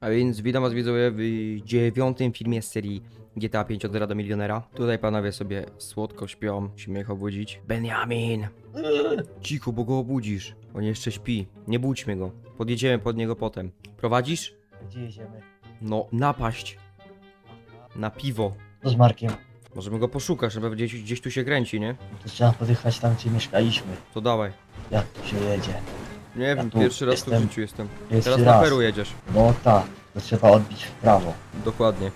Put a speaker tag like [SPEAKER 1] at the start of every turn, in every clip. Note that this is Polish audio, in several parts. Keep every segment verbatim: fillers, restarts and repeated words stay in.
[SPEAKER 1] A więc witam was widzowie w dziewiątym filmie z serii G T A pięć od zera do milionera. Tutaj panowie sobie słodko śpią, musimy ich obudzić. Benjamin! Cicho, bo go obudzisz. On jeszcze śpi. Nie budźmy go. Podjedziemy pod niego potem. Prowadzisz?
[SPEAKER 2] Gdzie jedziemy?
[SPEAKER 1] No, napaść. Na piwo.
[SPEAKER 2] To z Markiem.
[SPEAKER 1] Możemy go poszukać, żeby gdzieś, gdzieś tu się kręci, nie?
[SPEAKER 2] To trzeba podjechać tam, gdzie mieszkaliśmy.
[SPEAKER 1] To dawaj.
[SPEAKER 2] Jak tu się jedzie?
[SPEAKER 1] Nie wiem,
[SPEAKER 2] tu
[SPEAKER 1] pierwszy raz tu w
[SPEAKER 2] jestem.
[SPEAKER 1] życiu jestem.
[SPEAKER 2] Pierwszy
[SPEAKER 1] Teraz na
[SPEAKER 2] raz.
[SPEAKER 1] Peru jedziesz.
[SPEAKER 2] No tak, to trzeba odbić w prawo.
[SPEAKER 1] Dokładnie.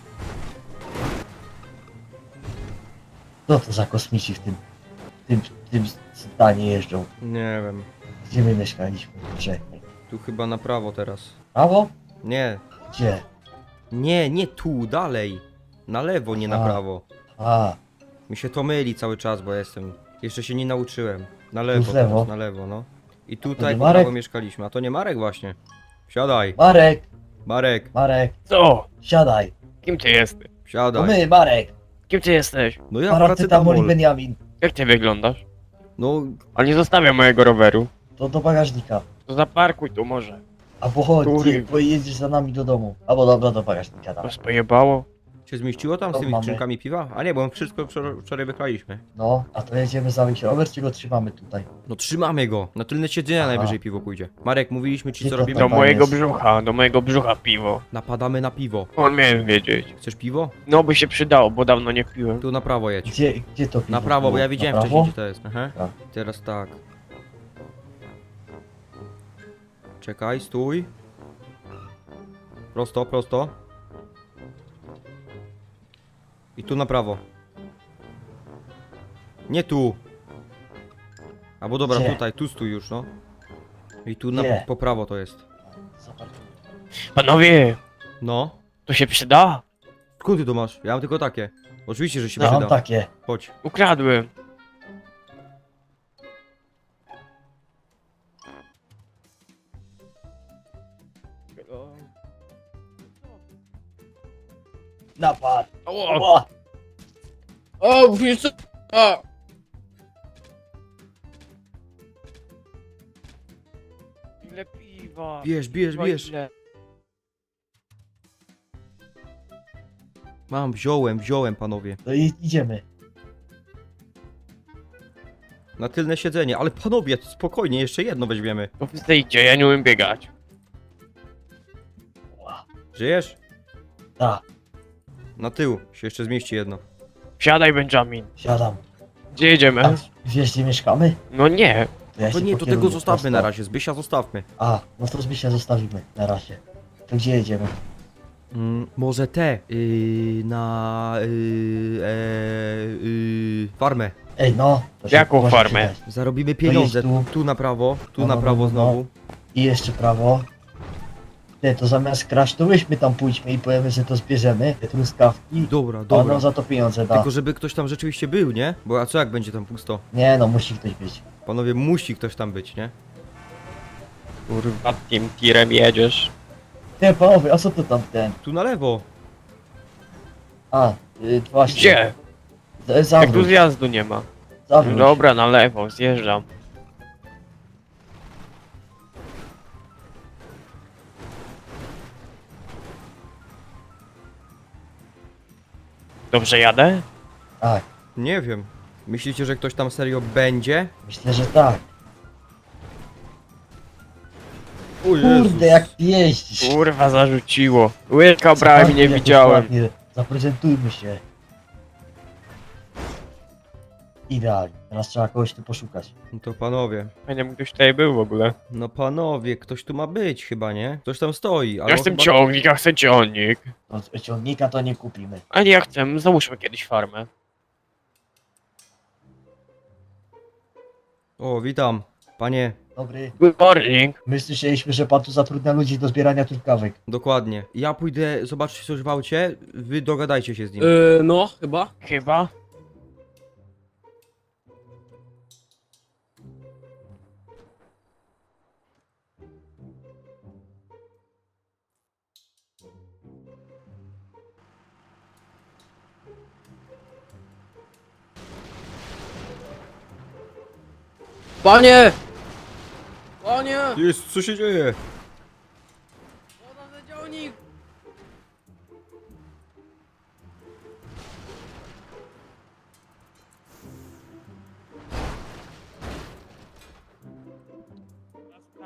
[SPEAKER 2] Co to za kosmici w tym, w tym, w tym stanie jeżdżą?
[SPEAKER 1] Nie wiem.
[SPEAKER 2] Gdzie my mieszkaliśmy? Czekaj.
[SPEAKER 1] Tu chyba na prawo teraz.
[SPEAKER 2] Prawo?
[SPEAKER 1] Nie.
[SPEAKER 2] Gdzie?
[SPEAKER 1] Nie, nie tu, dalej. Na lewo, nie na
[SPEAKER 2] A.
[SPEAKER 1] prawo.
[SPEAKER 2] A,
[SPEAKER 1] Mi się to myli cały czas, bo ja jestem... Jeszcze się nie nauczyłem. Na
[SPEAKER 2] Tu
[SPEAKER 1] lewo,
[SPEAKER 2] w lewo?
[SPEAKER 1] teraz, na lewo, no. I tutaj
[SPEAKER 2] nie
[SPEAKER 1] po
[SPEAKER 2] Marek?
[SPEAKER 1] prawo mieszkaliśmy, a to nie Marek właśnie. Siadaj,
[SPEAKER 2] Marek,
[SPEAKER 1] Marek,
[SPEAKER 2] Marek,
[SPEAKER 3] Co?
[SPEAKER 2] siadaj.
[SPEAKER 3] Kim ty jesteś?
[SPEAKER 2] To
[SPEAKER 1] siadaj.
[SPEAKER 2] my, Marek.
[SPEAKER 3] Kim ty jesteś?
[SPEAKER 1] No ja
[SPEAKER 2] Paracetamol i
[SPEAKER 1] paracetamol.
[SPEAKER 2] Benjamin.
[SPEAKER 3] Jak ty wyglądasz?
[SPEAKER 1] No,
[SPEAKER 3] On nie zostawia mojego roweru.
[SPEAKER 2] To do bagażnika.
[SPEAKER 3] To zaparkuj tu może.
[SPEAKER 2] Albo chodź,
[SPEAKER 3] Który?
[SPEAKER 2] ty, bo jedziesz za nami do domu. Albo dobra, do bagażnika tam.
[SPEAKER 3] To spojebało?
[SPEAKER 1] się zmieściło tam z
[SPEAKER 2] To
[SPEAKER 1] tymi
[SPEAKER 2] mamy.
[SPEAKER 1] skrzynkami piwa? A nie, bo my wszystko wczor- wczoraj wyklaliśmy.
[SPEAKER 2] No, a to jedziemy zawieźć rower, czy go trzymamy tutaj?
[SPEAKER 1] No trzymamy go. Na tylne siedzenia
[SPEAKER 2] Aha.
[SPEAKER 1] najwyżej piwo pójdzie. Marek, mówiliśmy ci
[SPEAKER 2] Gdzie
[SPEAKER 1] co
[SPEAKER 2] to
[SPEAKER 1] robimy?
[SPEAKER 3] Do
[SPEAKER 2] Dobra,
[SPEAKER 3] mojego
[SPEAKER 2] jest.
[SPEAKER 3] brzucha, do mojego brzucha piwo.
[SPEAKER 1] Napadamy na piwo.
[SPEAKER 3] On miałem wiedzieć.
[SPEAKER 1] Chcesz piwo?
[SPEAKER 3] No by się przydało, bo dawno nie piłem.
[SPEAKER 1] Tu na prawo jedź.
[SPEAKER 2] Gdzie, gdzie to piwo
[SPEAKER 1] Na prawo, bo
[SPEAKER 2] było?
[SPEAKER 1] ja
[SPEAKER 2] Na
[SPEAKER 1] widziałem
[SPEAKER 2] prawo?
[SPEAKER 1] wcześniej gdzie to jest. Aha.
[SPEAKER 2] Tak.
[SPEAKER 1] Teraz tak. Czekaj, stój. Prosto, prosto. I tu na prawo. Nie tu. Albo dobra,
[SPEAKER 2] Gdzie?
[SPEAKER 1] tutaj, tu stój już, no. I tu na,
[SPEAKER 2] Gdzie?
[SPEAKER 1] po prawo to jest.
[SPEAKER 2] Zobacz.
[SPEAKER 3] Panowie,
[SPEAKER 1] No.
[SPEAKER 3] to się przyda?
[SPEAKER 1] Skąd ty to masz? Ja mam tylko takie. Oczywiście, że się
[SPEAKER 2] Ja mam
[SPEAKER 1] przyda.
[SPEAKER 2] takie.
[SPEAKER 1] Chodź.
[SPEAKER 3] Ukradłem.
[SPEAKER 2] Napad.
[SPEAKER 3] O,
[SPEAKER 2] O!
[SPEAKER 3] o, wiesz co? O. Ile piwa?
[SPEAKER 1] Bierz, bierz,
[SPEAKER 3] Piwa
[SPEAKER 1] bierz.
[SPEAKER 3] ile?
[SPEAKER 1] Mam, wziąłem, wziąłem, panowie.
[SPEAKER 2] No i idziemy.
[SPEAKER 1] Na tylne siedzenie, ale panowie, spokojnie, jeszcze jedno weźmiemy.
[SPEAKER 3] To wyjdźcie, ja nie umiem biegać.
[SPEAKER 2] Ła.
[SPEAKER 1] Żyjesz?
[SPEAKER 2] Tak,
[SPEAKER 1] Na tył się jeszcze zmieści jedno.
[SPEAKER 3] Siadaj, Benjamin.
[SPEAKER 2] siadam.
[SPEAKER 3] Gdzie jedziemy?
[SPEAKER 2] A wiesz, gdzie mieszkamy?
[SPEAKER 3] No nie.
[SPEAKER 2] To ja
[SPEAKER 1] To
[SPEAKER 2] się
[SPEAKER 1] nie, to
[SPEAKER 2] pokieruję
[SPEAKER 1] tego zostawmy
[SPEAKER 2] prosto.
[SPEAKER 1] na razie, Zbysia zostawmy.
[SPEAKER 2] A, no to Zbysia zostawimy na razie. To gdzie jedziemy?
[SPEAKER 1] Mm, może te, yy, na, yy, e, yy, farmę.
[SPEAKER 2] Ej, no. To się
[SPEAKER 3] Jaką
[SPEAKER 2] może
[SPEAKER 3] farmę?
[SPEAKER 2] przydać.
[SPEAKER 1] Zarobimy pieniądze,
[SPEAKER 2] jest tu.
[SPEAKER 1] tu na prawo, tu
[SPEAKER 2] No,
[SPEAKER 1] na
[SPEAKER 2] no,
[SPEAKER 1] prawo
[SPEAKER 2] no, no.
[SPEAKER 1] znowu.
[SPEAKER 2] I jeszcze prawo. Nie, to zamiast kraść, to myśmy tam pójdźmy i powiemy, że to zbierzemy, te truskawki.
[SPEAKER 1] Dobra,
[SPEAKER 2] A on
[SPEAKER 1] dobra.
[SPEAKER 2] nam za to pieniądze da.
[SPEAKER 1] Tylko żeby ktoś tam rzeczywiście był, nie? Bo a co jak będzie tam pusto?
[SPEAKER 2] Nie no, musi ktoś być.
[SPEAKER 1] Panowie, musi ktoś tam być, nie?
[SPEAKER 3] Kurwa, tym tirem jedziesz.
[SPEAKER 2] Ty panowie, a co to tam ten?
[SPEAKER 1] Tu na lewo.
[SPEAKER 2] A, y, właśnie.
[SPEAKER 3] Gdzie?
[SPEAKER 2] Z-
[SPEAKER 3] Jak tu
[SPEAKER 2] Zawróć,
[SPEAKER 3] zjazdu nie ma.
[SPEAKER 2] zawróć.
[SPEAKER 3] Dobra, na lewo, zjeżdżam. Dobrze jadę?
[SPEAKER 2] Tak,
[SPEAKER 1] Nie wiem. Myślicie, że ktoś tam serio będzie?
[SPEAKER 2] myślę, że tak.
[SPEAKER 1] O
[SPEAKER 2] Kurde, jak ty jeździsz.
[SPEAKER 3] Kurwa, zarzuciło. Łyka brałem i nie
[SPEAKER 2] Zaparkuj
[SPEAKER 3] widziałem.
[SPEAKER 2] jakoś ładnie. Zaprezentujmy się. Idealnie. Teraz trzeba kogoś tu poszukać.
[SPEAKER 1] No to panowie.
[SPEAKER 3] Fajnie, jakby ktoś tutaj był w ogóle.
[SPEAKER 1] No panowie, ktoś tu ma być chyba, nie? Ktoś tam stoi, ale
[SPEAKER 3] Ja
[SPEAKER 1] on
[SPEAKER 3] chcę
[SPEAKER 1] chyba...
[SPEAKER 3] ciągnik, ja chcę ciągnik.
[SPEAKER 2] No, ciągnika to nie kupimy.
[SPEAKER 3] A nie, ja chcę, załóżmy kiedyś farmę.
[SPEAKER 1] O, witam. Panie,
[SPEAKER 2] Dobry.
[SPEAKER 3] Good morning.
[SPEAKER 2] My słyszeliśmy, że pan tu zatrudnia ludzi do zbierania truskawek.
[SPEAKER 1] dokładnie. Ja pójdę zobaczyć coś w aucie, wy dogadajcie się z nim.
[SPEAKER 4] Yy, no, chyba.
[SPEAKER 3] Chyba?
[SPEAKER 4] Panie! Panie!
[SPEAKER 1] Jest, co się dzieje?
[SPEAKER 4] Woda za działnik!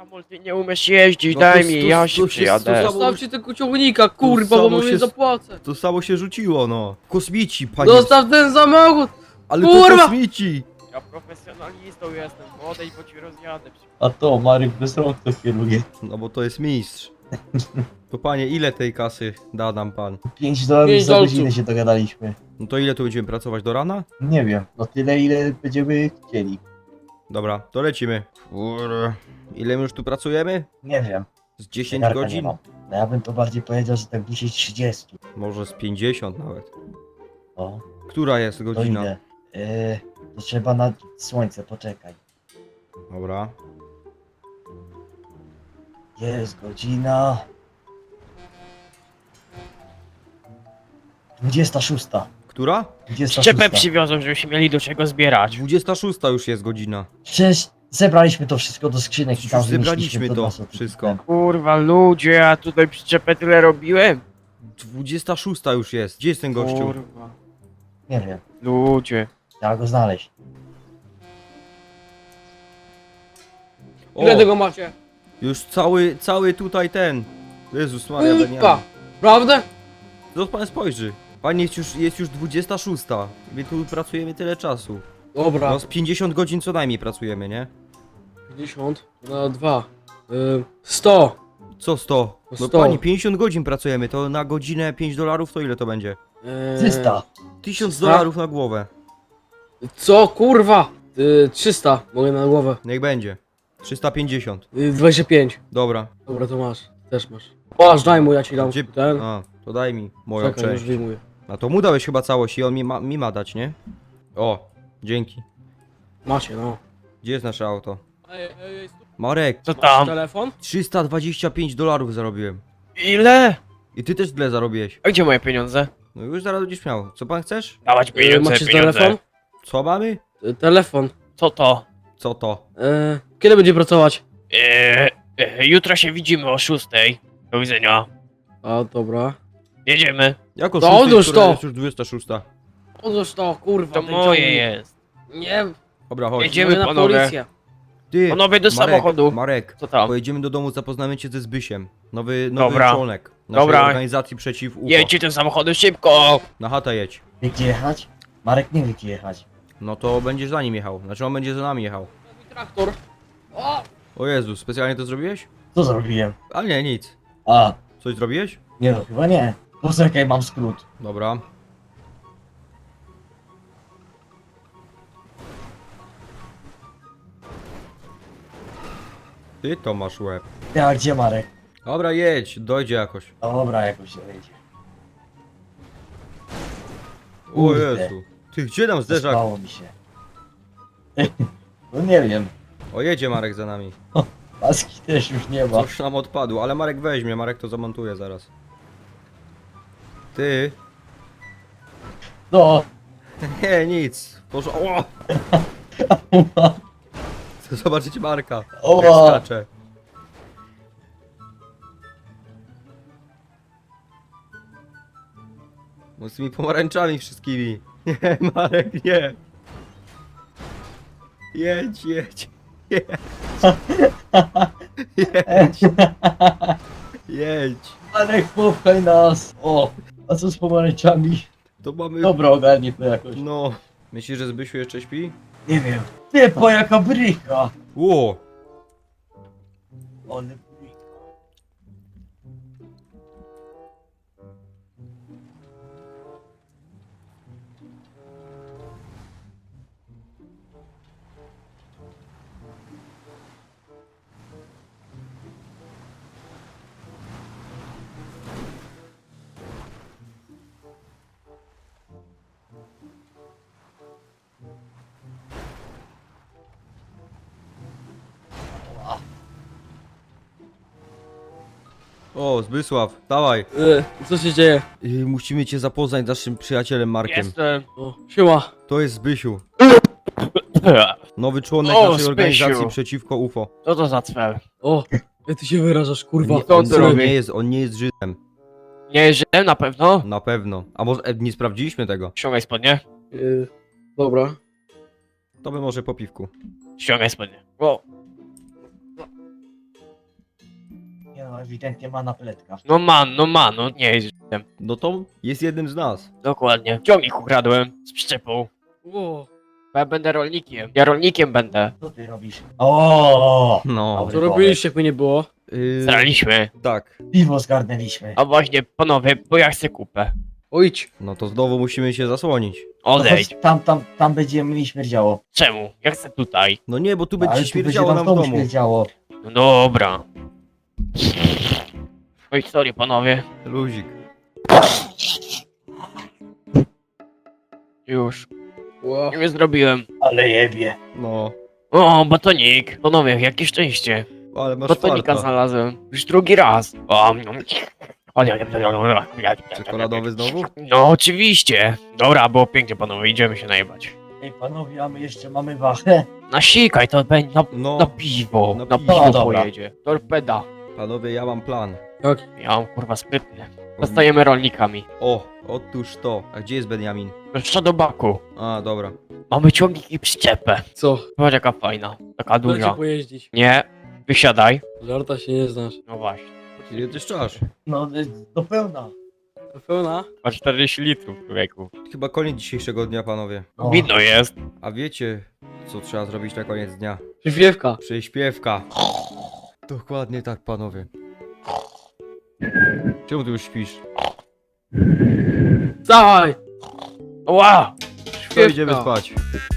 [SPEAKER 3] Kamol, ty nie umiesz jeździć,
[SPEAKER 1] No
[SPEAKER 3] daj
[SPEAKER 1] to-
[SPEAKER 3] mi,
[SPEAKER 1] to-
[SPEAKER 3] ja
[SPEAKER 1] to
[SPEAKER 3] się
[SPEAKER 1] się-
[SPEAKER 3] przyjadę.
[SPEAKER 1] to-
[SPEAKER 4] Zostawcie tego ciągnika, kurwa, bo
[SPEAKER 1] samo
[SPEAKER 4] mu
[SPEAKER 1] się
[SPEAKER 4] nie
[SPEAKER 1] s-
[SPEAKER 4] zapłacę.
[SPEAKER 1] To samo się rzuciło, no. Kosmici, panie.
[SPEAKER 4] Zostaw ten samochód!
[SPEAKER 1] Ale to
[SPEAKER 4] kurwa!
[SPEAKER 1] kosmici.
[SPEAKER 3] Ja profesjonalistą jestem, odejdź, bo ci rozjadę.
[SPEAKER 2] A to Marek bez rąk to kieruje.
[SPEAKER 1] No bo to jest mistrz. To panie, ile tej kasy da nam pan?
[SPEAKER 2] pięć dolarów
[SPEAKER 4] Pięć
[SPEAKER 2] za
[SPEAKER 4] dolców.
[SPEAKER 2] godzinę się dogadaliśmy.
[SPEAKER 1] No to ile tu będziemy pracować, do rana?
[SPEAKER 2] Nie wiem, no tyle ile będziemy chcieli.
[SPEAKER 1] Dobra, to lecimy. Kurde. Ile my już tu pracujemy?
[SPEAKER 2] Nie wiem.
[SPEAKER 1] Z dziesięć
[SPEAKER 2] zegarka nie
[SPEAKER 1] godzin?
[SPEAKER 2] mam. No ja bym to bardziej powiedział, że tak dzisiaj trzydzieści.
[SPEAKER 1] Może z pięćdziesiąt nawet.
[SPEAKER 2] O,
[SPEAKER 1] Która jest
[SPEAKER 2] to
[SPEAKER 1] godzina?
[SPEAKER 2] idę. Yy, to trzeba na słońce, poczekaj.
[SPEAKER 1] Dobra.
[SPEAKER 2] Jest godzina... dwudziesta szósta.
[SPEAKER 1] Która?
[SPEAKER 2] dwudziesta
[SPEAKER 3] Szczepę
[SPEAKER 2] szósta.
[SPEAKER 3] przywiozą, żebyśmy mieli do czego zbierać.
[SPEAKER 1] dwudziesta szósta już jest godzina.
[SPEAKER 2] Przecież zebraliśmy to wszystko do skrzynek i tam
[SPEAKER 1] Już zebraliśmy
[SPEAKER 2] zmieściliśmy
[SPEAKER 1] to
[SPEAKER 2] na sufit.
[SPEAKER 1] wszystko.
[SPEAKER 3] Kurwa, ludzie, ja tutaj przyczepę tyle robiłem.
[SPEAKER 1] dwudziesta szósta już jest. Gdzie jest ten gościu?
[SPEAKER 3] Kurwa,
[SPEAKER 2] Nie wiem,
[SPEAKER 3] ludzie.
[SPEAKER 2] trzeba go znaleźć.
[SPEAKER 1] O,
[SPEAKER 4] Ile tego macie?
[SPEAKER 1] już cały, cały tutaj ten. Jezus Maria,
[SPEAKER 4] Kurwa!
[SPEAKER 1] Beniamin.
[SPEAKER 4] Prawda?
[SPEAKER 1] No pan spojrzy. Panie, jest już, jest już dwudziesta szósta. My tu pracujemy tyle czasu.
[SPEAKER 4] Dobra.
[SPEAKER 1] No z pięćdziesiąt godzin co najmniej pracujemy, nie?
[SPEAKER 4] pięćdziesiąt na dwa. Y, sto.
[SPEAKER 1] Co sto? No
[SPEAKER 4] sto.
[SPEAKER 1] pani, pięćdziesiąt godzin pracujemy, to na godzinę pięć dolarów to ile to będzie?
[SPEAKER 4] Eee,
[SPEAKER 2] trzysta.
[SPEAKER 1] tysiąc
[SPEAKER 4] trzysta?
[SPEAKER 1] dolarów na głowę.
[SPEAKER 4] Co, kurwa? Y, trzysta. Mogę na głowę.
[SPEAKER 1] Niech będzie. trzysta pięćdziesiąt.
[SPEAKER 4] Y, dwadzieścia pięć.
[SPEAKER 1] Dobra.
[SPEAKER 4] Dobra, to masz. Też masz. Masz, daj mu, ja ci dam
[SPEAKER 1] Gdzie...
[SPEAKER 4] ten.
[SPEAKER 1] A, to daj mi moją
[SPEAKER 4] Czekaj, już
[SPEAKER 1] część.
[SPEAKER 4] wyjmuję.
[SPEAKER 1] A to mu dałeś chyba całość i on mi ma, mi ma dać, nie? O, dzięki.
[SPEAKER 4] Macie, no.
[SPEAKER 1] Gdzie jest nasze auto?
[SPEAKER 4] Ej, ej, ej,
[SPEAKER 1] Marek,
[SPEAKER 3] Co
[SPEAKER 4] masz
[SPEAKER 3] tam?
[SPEAKER 4] telefon?
[SPEAKER 1] trzysta dwadzieścia pięć dolarów zarobiłem.
[SPEAKER 3] Ile?
[SPEAKER 1] I ty też tyle zarobiłeś.
[SPEAKER 3] A gdzie moje pieniądze?
[SPEAKER 1] No już zaraz będziesz miał. Co pan chcesz?
[SPEAKER 3] Dawać
[SPEAKER 4] Y,
[SPEAKER 3] pieniądze,
[SPEAKER 4] macie
[SPEAKER 3] pieniądze.
[SPEAKER 4] telefon?
[SPEAKER 1] Co mamy?
[SPEAKER 4] Y, telefon.
[SPEAKER 3] Co to?
[SPEAKER 1] Co to?
[SPEAKER 4] Y, kiedy będzie pracować?
[SPEAKER 3] Eee, e, jutro się widzimy o szóstej. Do widzenia.
[SPEAKER 4] A, dobra.
[SPEAKER 3] Jedziemy.
[SPEAKER 1] Jako
[SPEAKER 4] To
[SPEAKER 1] szóstej,
[SPEAKER 4] odłóż
[SPEAKER 1] która
[SPEAKER 4] to!
[SPEAKER 1] jest już dwudziesta szósta.
[SPEAKER 4] Odłóż to, kurwa.
[SPEAKER 3] To
[SPEAKER 4] ten
[SPEAKER 3] moje
[SPEAKER 4] ciągnik.
[SPEAKER 3] jest.
[SPEAKER 4] Nie,
[SPEAKER 1] Dobra, chodź.
[SPEAKER 3] Jedziemy,
[SPEAKER 4] mówię na
[SPEAKER 3] panowie.
[SPEAKER 4] policję.
[SPEAKER 1] Ty,
[SPEAKER 3] Panowie do
[SPEAKER 1] Marek,
[SPEAKER 3] samochodu.
[SPEAKER 1] Marek,
[SPEAKER 3] Co tam?
[SPEAKER 1] pojedziemy do domu, zapoznamy cię ze Zbysiem. Nowy, nowy
[SPEAKER 3] Dobra.
[SPEAKER 1] członek naszej
[SPEAKER 3] Dobra.
[SPEAKER 1] organizacji przeciw U F O.
[SPEAKER 3] Jedźcie tym samochodem szybko.
[SPEAKER 1] Na chatę jedź.
[SPEAKER 2] Wie gdzie jechać? Marek nie wie gdzie jechać.
[SPEAKER 1] No to będziesz za nim jechał. Znaczy on będzie za nami jechał.
[SPEAKER 4] Mój traktor. O!
[SPEAKER 1] O Jezu, specjalnie to zrobiłeś?
[SPEAKER 2] Co zrobiłem?
[SPEAKER 1] A nie, nic.
[SPEAKER 2] A,
[SPEAKER 1] Coś zrobiłeś?
[SPEAKER 2] nie no, chyba nie. Poczekaj, mam skrót.
[SPEAKER 1] Dobra. Ty to masz łeb.
[SPEAKER 2] Ja, gdzie Marek?
[SPEAKER 1] Dobra, jedź, dojdzie jakoś.
[SPEAKER 2] Dobra, jakoś się wejdzie.
[SPEAKER 1] O
[SPEAKER 2] Kurde.
[SPEAKER 1] Jezu. Ty, gdzie nam zderzak?
[SPEAKER 2] Zespało mi się. No nie wiem.
[SPEAKER 1] O, jedzie Marek za nami.
[SPEAKER 2] Paski też już nie ma.
[SPEAKER 1] Coś nam odpadło, ale Marek weźmie, Marek to zamontuje zaraz. Ty.
[SPEAKER 2] No.
[SPEAKER 1] Nie, nic. Boże, o! Chcę zobaczyć Marka.
[SPEAKER 2] O!
[SPEAKER 1] Jak skacze. No z tymi pomarańczami wszystkimi. Nie, Marek, nie. Jedź, jedź. Jedź. Jedź. Jedź.
[SPEAKER 2] Marek, popchaj nas. O, a co z pomarańczami?
[SPEAKER 1] To mamy...
[SPEAKER 2] Dobra, ogarnij to jakoś.
[SPEAKER 1] No. Myślisz, że Zbysiu jeszcze śpi?
[SPEAKER 2] Nie wiem. Ty, po jaka bryka.
[SPEAKER 1] Ło!
[SPEAKER 2] Ale bryka.
[SPEAKER 1] O, Zbysław, dawaj.
[SPEAKER 4] Y, co się dzieje?
[SPEAKER 1] Yy, musimy cię zapoznać z naszym przyjacielem Markiem.
[SPEAKER 3] Jestem.
[SPEAKER 4] O, siema.
[SPEAKER 1] To jest Zbysiu. Nowy członek
[SPEAKER 3] O,
[SPEAKER 1] naszej
[SPEAKER 3] Zbysiu.
[SPEAKER 1] organizacji przeciwko U F O.
[SPEAKER 3] Co to za cwel?
[SPEAKER 4] O, jak ty się wyrażasz, kurwa.
[SPEAKER 1] Nie,
[SPEAKER 3] Co
[SPEAKER 1] on,
[SPEAKER 3] ty
[SPEAKER 1] on
[SPEAKER 3] robi?
[SPEAKER 1] nie jest, on nie jest Żydem.
[SPEAKER 3] Nie żyłem na pewno?
[SPEAKER 1] Na pewno. A może e, nie sprawdziliśmy tego?
[SPEAKER 3] Ściągaj spodnie.
[SPEAKER 4] Y, dobra.
[SPEAKER 1] To by może po piwku.
[SPEAKER 3] Ściągaj spodnie. O.
[SPEAKER 2] No ewidentnie ma napletka.
[SPEAKER 3] No man, no man, no nie jest.
[SPEAKER 1] No to jest jednym z nas.
[SPEAKER 3] Dokładnie. Ciągnik ukradłem z przyczepą.
[SPEAKER 4] Ło.
[SPEAKER 3] Bo ja będę rolnikiem. Ja rolnikiem będę.
[SPEAKER 2] Co ty robisz? O,
[SPEAKER 1] No.
[SPEAKER 2] Dobry
[SPEAKER 4] Co robiliście, jakby nie było?
[SPEAKER 1] Yy,
[SPEAKER 3] Zraliśmy.
[SPEAKER 1] tak.
[SPEAKER 2] piwo zgarnęliśmy.
[SPEAKER 3] A właśnie, panowie, bo ja chcę kupę.
[SPEAKER 4] Ojdź.
[SPEAKER 1] No to znowu musimy się zasłonić.
[SPEAKER 2] No
[SPEAKER 3] Odejdź.
[SPEAKER 2] chodź, tam, tam, tam będzie mi śmierdziało.
[SPEAKER 3] Czemu? Ja chcę tutaj.
[SPEAKER 1] No nie, bo tu
[SPEAKER 2] Ale
[SPEAKER 1] będzie
[SPEAKER 2] tu
[SPEAKER 1] śmierdziało
[SPEAKER 2] będzie
[SPEAKER 1] nam
[SPEAKER 2] nam
[SPEAKER 1] w
[SPEAKER 2] w
[SPEAKER 1] domu.
[SPEAKER 2] śmierdziało.
[SPEAKER 3] No dobra. Oj, sorry panowie.
[SPEAKER 1] Luzik.
[SPEAKER 3] Już.
[SPEAKER 4] Ło.
[SPEAKER 3] Nie zrobiłem.
[SPEAKER 2] Ale jebie.
[SPEAKER 1] No.
[SPEAKER 3] O, batonik. Panowie, jakie szczęście.
[SPEAKER 1] Ale masz
[SPEAKER 3] Batonika
[SPEAKER 1] farta.
[SPEAKER 3] znalazłem. Już drugi raz. O,
[SPEAKER 1] Czekoladowy znowu?
[SPEAKER 3] No oczywiście. Dobra, było pięknie panowie, idziemy się najebać.
[SPEAKER 2] Ej panowie, a my jeszcze mamy wachę.
[SPEAKER 3] Nasikaj, to będzie na,
[SPEAKER 1] No.
[SPEAKER 3] na piwo.
[SPEAKER 1] Na
[SPEAKER 3] Na
[SPEAKER 1] piwo.
[SPEAKER 3] piwo
[SPEAKER 2] No, dobra.
[SPEAKER 3] pojedzie. Torpeda.
[SPEAKER 1] Panowie, ja mam plan.
[SPEAKER 4] Jak?
[SPEAKER 3] Ja mam kurwa sprytny. Zostajemy rolnikami.
[SPEAKER 1] O, otóż to. A gdzie jest Benjamin?
[SPEAKER 3] Jeszcze do baku.
[SPEAKER 1] A, dobra.
[SPEAKER 3] Mamy ciągnik i przyczepę.
[SPEAKER 4] Co?
[SPEAKER 3] Zobacz jaka fajna. Taka
[SPEAKER 4] Dajcie
[SPEAKER 3] duża.
[SPEAKER 4] pojeździć.
[SPEAKER 3] Nie. Wysiadaj.
[SPEAKER 4] Żarta się nie znasz.
[SPEAKER 3] No właśnie.
[SPEAKER 1] Ile ty szczasz?
[SPEAKER 2] No y, do pełna.
[SPEAKER 4] To pełna?
[SPEAKER 3] Ma czterdzieści litrów człowieku.
[SPEAKER 1] Chyba koniec dzisiejszego dnia, panowie.
[SPEAKER 2] O,
[SPEAKER 3] Widno jest.
[SPEAKER 1] A wiecie, co trzeba zrobić na koniec dnia?
[SPEAKER 4] Przyśpiewka.
[SPEAKER 1] Przyśpiewka. Dokładnie tak, panowie. Czemu ty już śpisz?
[SPEAKER 4] Dawaj!
[SPEAKER 3] Ła!
[SPEAKER 1] To idziemy spać.